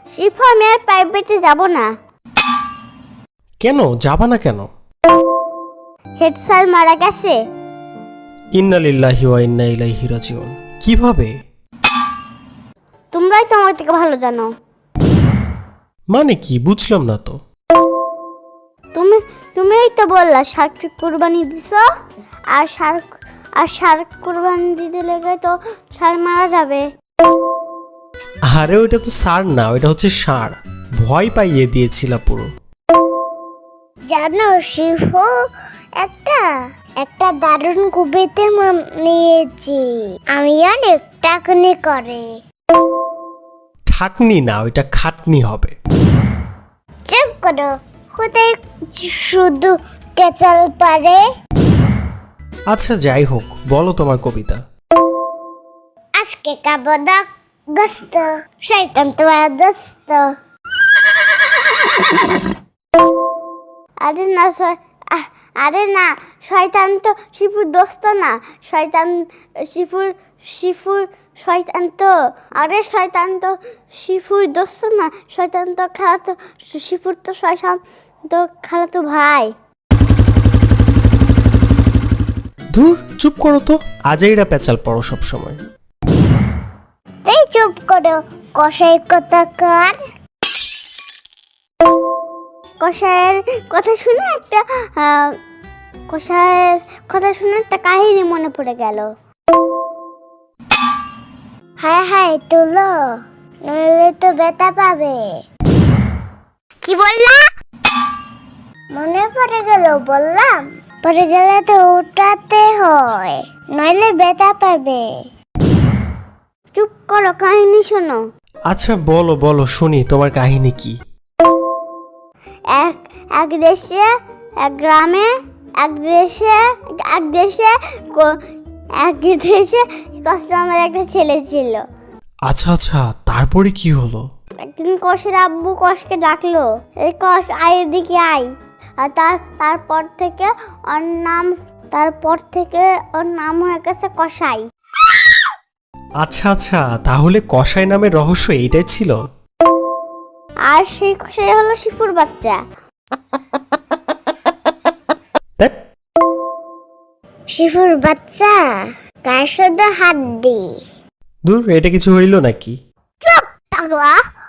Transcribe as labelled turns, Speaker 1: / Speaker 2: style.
Speaker 1: Shifu আমি আর প্রাইভেটে যাব না।
Speaker 2: কেন যাবা না কেন?
Speaker 1: হেড স্যার মারা গেছে।
Speaker 2: ইন্না লিল্লাহি ওয়া ইন্না ইলাইহি রাজিউন। কিভাবে?
Speaker 1: তোমরাই তো আমার থেকে ভালো জানো।
Speaker 2: মানে কি বুঝলাম না তো।
Speaker 1: তুমিই তো বললা শার্ক কুরবানি দিছো, আর শার্ক কুরবানি দিতে লেগে তো ষাঁড় মারা যাবে।
Speaker 2: আরে ওইটা তো সার না, ওইটা হচ্ছে ষাঁড়। ভয় পাইয়ে দিয়েছিল পুরো।
Speaker 1: জানো শিফু, একটা দারুণ কবিতা নিয়েছি আমি, অনেক টাকনি করে।
Speaker 2: ঠাকনি না, ওইটা খাটনি হবে।
Speaker 1: চুপ করো, কোথায় শুধু কেচাল পারে।
Speaker 2: আচ্ছা যাই হোক, বলো তোমার কবিতা।
Speaker 1: আজকে কাবদা গস্ত, শয়তান তোমার দোস্ত। আরে না শয়তান তো শিফুর দোস্ত না, শয়তান শিফুর শয়তান তো। আরে শয়তান তো শিফুর দোস্ত না, শয়তান তো খালাতো, শিফুর তো শয়তান তো খালাতো ভাই।
Speaker 2: ধুর চুপ করো তো, আজাইরা পেঁচাল পড়ো সব সময়।
Speaker 1: এই চুপ করো কসাই কথাকার। কসাইয়ের কথা শুনে একটা কাহিনী মনে পড়ে গেল। হায় হায় তুলো, নইলে তো ব্যথা পাবে। কি বললা? মনে পড়ে গেল বললাম, পড়ে গেলে তো উঠাতে হয়, নইলে ব্যথা পাবে। চুপ করো, কাহিনী শোনো।
Speaker 2: আচ্ছা বলো বলো শুনি, তোমার কাহিনী কি?
Speaker 1: এক দেশে, এক গ্রামে, এক দেশে কষ্টে আমার একটা ছেলে ছিল।
Speaker 2: আচ্ছা আচ্ছা, তারপরে কি হলো?
Speaker 1: একদিন কষের আব্বু কষকে ডাকলো, এই কষ আয় এদিকে আয়। আর তারপর থেকে ওর নাম হয়ে গেছে কষাই।
Speaker 2: আচ্ছা আচ্ছা, তাহলে কসাই নামের রহস্য এইটাই ছিল।
Speaker 1: আর সেই কষাই হলো শিফুর বাচ্চা।
Speaker 2: ধ্যাৎ,
Speaker 1: শিফুর বাচ্চা কার শুধু হাড্ডি।
Speaker 2: দূর, এটা কিছু হইল নাকি?
Speaker 1: চুপ পাগলা।